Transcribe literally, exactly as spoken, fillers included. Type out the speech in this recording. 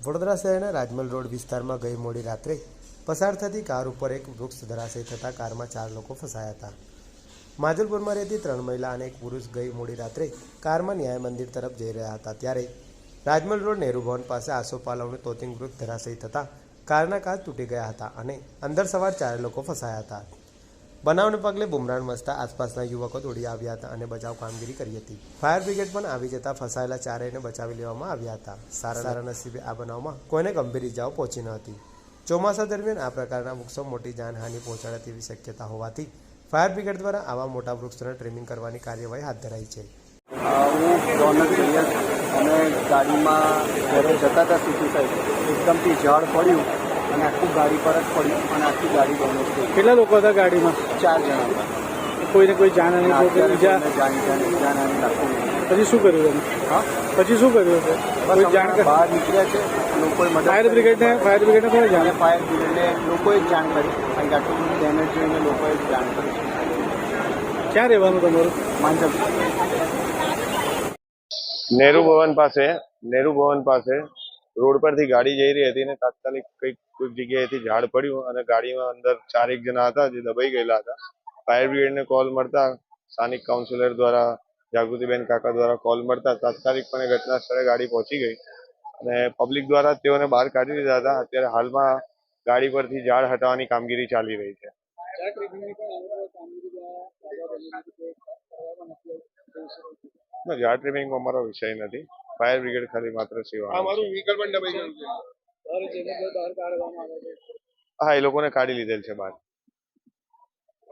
વડોદરા શહેરના રાજમલ રોડ વિસ્તારમાં ગઈ મોડી રાત્રે પસાર થતી કાર ઉપર એક વૃક્ષ ધરાશયી થતાં કારમાં ચાર લોકો ફસાયા હતા. માજલપુરમાં રહેતી ત્રણ મહિલા અને એક પુરુષ ગઈ મોડી રાત્રે કારમાં ન્યાય મંદિર તરફ જઈ રહ્યા હતા ત્યારે રાજમલ રોડ નહેરુ ભવન પાસે આસોપાલવનું તોતિંગ વૃક્ષ ધરાશયી થતાં કારના કાચ તૂટી ગયા હતા અને અંદર સવાર ચાર લોકો ફસાયા હતા. બનાવને પગલે બુમરાણ મચતા આસપાસના યુવકો દોડી આવ્યા હતા અને બચાવ કામગીરી કરી હતી. ફાયર બ્રિગેડ પણ આવી જતા ફસાયેલા ચારેયને બચાવી લેવામાં આવ્યા હતા. સારા સારા નસીબે આ બનાવમાં કોઈને ગંભીર ઇજાઓ પહોંચી ન હતી. ચોમાસા દરમિયાન આ પ્રકારના વૃક્ષો મોટી જાનહાનિ પહોંચાડે તેવી શક્યતા હોવાથી ફાયર બ્રિગેડ દ્વારા આવા મોટા વૃક્ષોને ટ્રીમિંગ કરવાની કાર્યવાહી હાથ ધરાઈ છે. હું રોનક સૈયદ અને ગાડીમાં જ્યારે જતા હતા સિટી સાઈડ એકદમથી ઝાડ પડ્યું અને આખું ગાડી પર જ પડ્યું અને આખી ગાડી ડેમેજ થઈ. કેટલા લોકો હતા ગાડીમાં? ચાર જણા હતા. કોઈને કોઈ જાનહાનિ જાણ જાણહાની લાગતું નહીં. પછી શું કર્યું તમે? હા પછી શું કર્યું છે? કોઈ જાણ બહાર નીકળ્યા છે. લોકોએ મદદ ફાયર બ્રિગેડને ફાયર બ્રિગેડને કોને જાણ? અને ફાયર બ્રિગેડને લોકોએ જ જાણ કરી. કારણ કે આટલું બધું ડેમેજ જોઈને લોકોએ જ જાણ કરી. ક્યાં રહેવાનું તમારું? માંજલ નહેરુ ભવન પાસે નહેરુ ભવન પાસે રોડ પરથી ગાડી જઈ રહી હતી અને તાત્કાલિક કંઈક કોઈક જગ્યાએથી ઝાડ પડ્યું અને ગાડીમાં અંદર ચારેક જણા હતા જે દબાઈ ગયેલા હતા. ફાયર બ્રિગેડને કોલ મળતા સ્થાનિક કાઉન્સિલર દ્વારા જાગૃતિબેન કાકા દ્વારા કોલ મળતા તાત્કાલિકપણે ઘટના સ્થળે ગાડી પહોંચી ગઈ અને પબ્લિક દ્વારા તેઓને બહાર કાઢી દીધા હતા. અત્યારે હાલમાં ગાડી પરથી ઝાડ હટાવવાની કામગીરી ચાલી રહી છે. ઝાડ ટ્રીમિંગમાં અમારો વિષય નથી. ફાયર બ્રિગેડ ખાલી માત્ર સેવા. હા, એ લોકોને કાઢી લીધેલ છે બહાર.